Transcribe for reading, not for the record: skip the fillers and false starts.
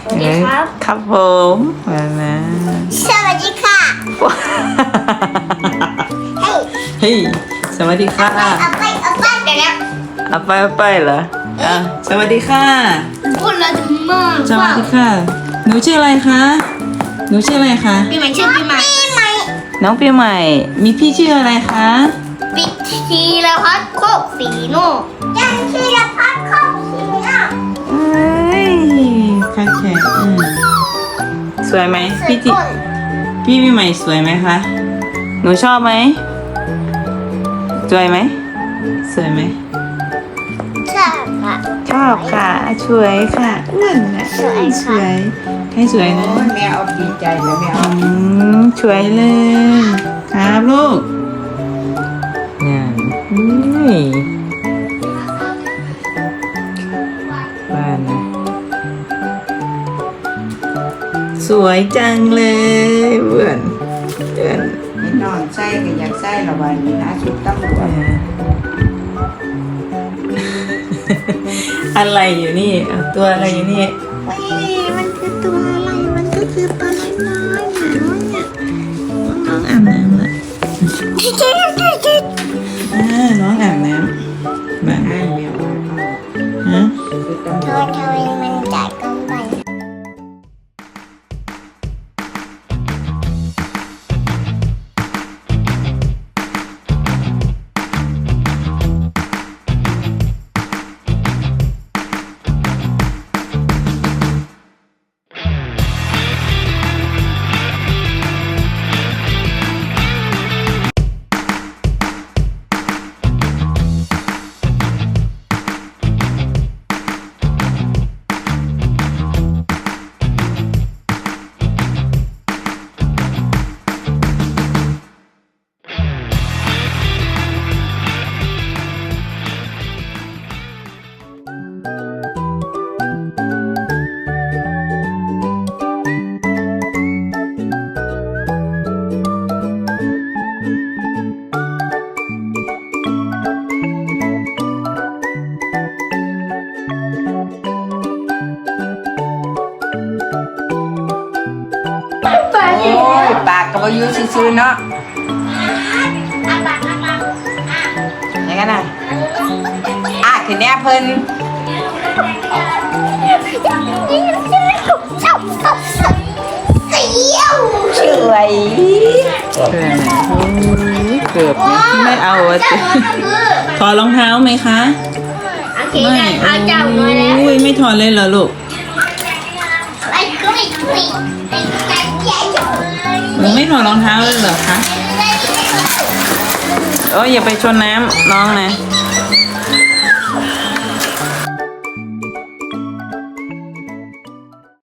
สวัสดีครับครับผมมานะสวัสดีค่ะเฮ้ยเฮ้ยสวัสดีค่ะเอาไปเดี๋ยวนะเอาไปเหรออ่ะสวัสดีค่ะพูดแล้วถึงมากสวัสดีค่ะ หนูชื่ออะไรคะหนูชื่ออะไรคะปีใหม่ชื่อปีใหม่น้องปีใหม่ มีพี่ชื่ออะไรคะปิดทีละพัดโคกสีโน่ยังทีละพัดโคกสีโน่เอ้ยค่ะแขกสวยไหมพี่จิพี่ปีใหม่สวยไหมคะหนูชอบไหมสวยไหมสวยไหมใช่ค่ะชอบค่ะสวยค่ะอ้วนนะสวยค่ะสวยให้สวยนะแม่เอาดีใจแล้วแม่เอาสวยเลยครับลูกนี่นี่บ้านนะสวยจังเลยเพื่อนเพื่อนให้นอนไส้ก็อยากไส้ละวันนี้นะชุดตำรวจอะไรอยู่นี่เอาตัวอะไรอยู่นี่เฮ้ยมันคือตัวอะไรมันก็คือตัวน้อยๆเนี่ยน้องอาบน้ำละน้องอาบน้ำแบบให้แม่เอาฮะชุดตำรเธวอจทำไมมันจ่ายกันไปโอ้ยปากก็บ่อยู่ซื่อๆเนาะไหนกันน่ะทีเนี้ยเพิ่นเสียวสวยเพื่อนนะโอ้ยเกือบนะไม่เอาอะจิถอดรองเท้าไหมคะโอเคได้เท้าเจ้าน้อยแล้วอุ้ยไม่ถอดเลยเหรอลูกไอ้กล้วยกล้วยไอ้ไก่ใหญ่เลยหนูไม่ถอดรองเท้าเลยเหรอคะโอ้ยอย่าไปชนน้ำน้องนะ